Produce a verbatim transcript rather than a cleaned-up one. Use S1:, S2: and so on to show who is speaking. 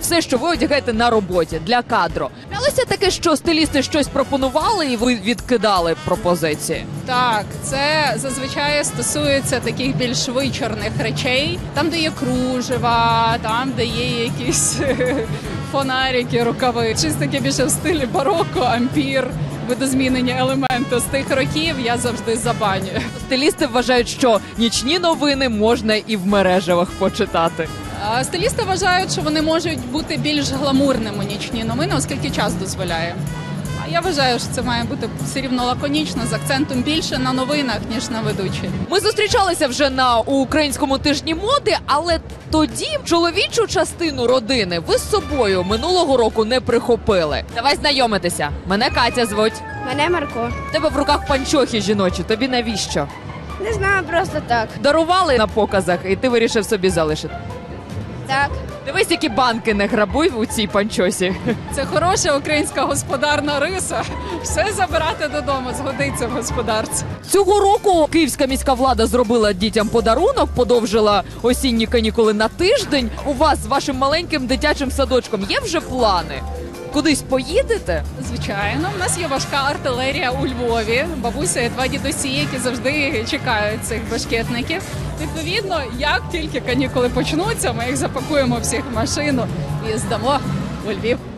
S1: все, що ви одягаєте на роботі для кадру. Траплялося таке, що стилісти щось пропонували і ви відкидали пропозиції?
S2: Так, це зазвичай стосується таких більш вичорних речей, там, де є кружева, там, де є якісь фонарики, рукави. Щось таке більше в стилі бароко, ампір, видозмінені елементи з тих років я завжди забанюю.
S1: Стилісти вважають, що нічні новини можна і в мережевах почитати.
S2: А стилісти вважають, що вони можуть бути більш гламурними нічні новини, оскільки час дозволяє. А я вважаю, що це має бути все рівно лаконічно, з акцентом більше на новинах, ніж на ведучій.
S1: Ми зустрічалися вже на українському тижні моди, але тоді чоловічу частину родини ви з собою минулого року не прихопили. Давай знайомитися. Мене Катя звуть.
S3: Мене Марко.
S1: В тебе в руках панчохи жіночі. Тобі навіщо?
S3: Не знаю, просто так.
S1: Дарували на показах, і ти вирішив собі залишити.
S3: Так.
S1: Дивись, які банки не грабуй у цій панчосі.
S2: Це хороша українська господарна риса. Все забирати додому, згодиться в господарці.
S1: Цього року київська міська влада зробила дітям подарунок, подовжила осінні канікули на тиждень. У вас з вашим маленьким дитячим садочком є вже плани? Кудись поїдете?
S2: Звичайно, в нас є важка артилерія у Львові. Бабуся і два дідусі, які завжди чекають цих башкетників. Відповідно, як тільки канікули почнуться, ми їх запакуємо всіх в машину і здамо у Львів.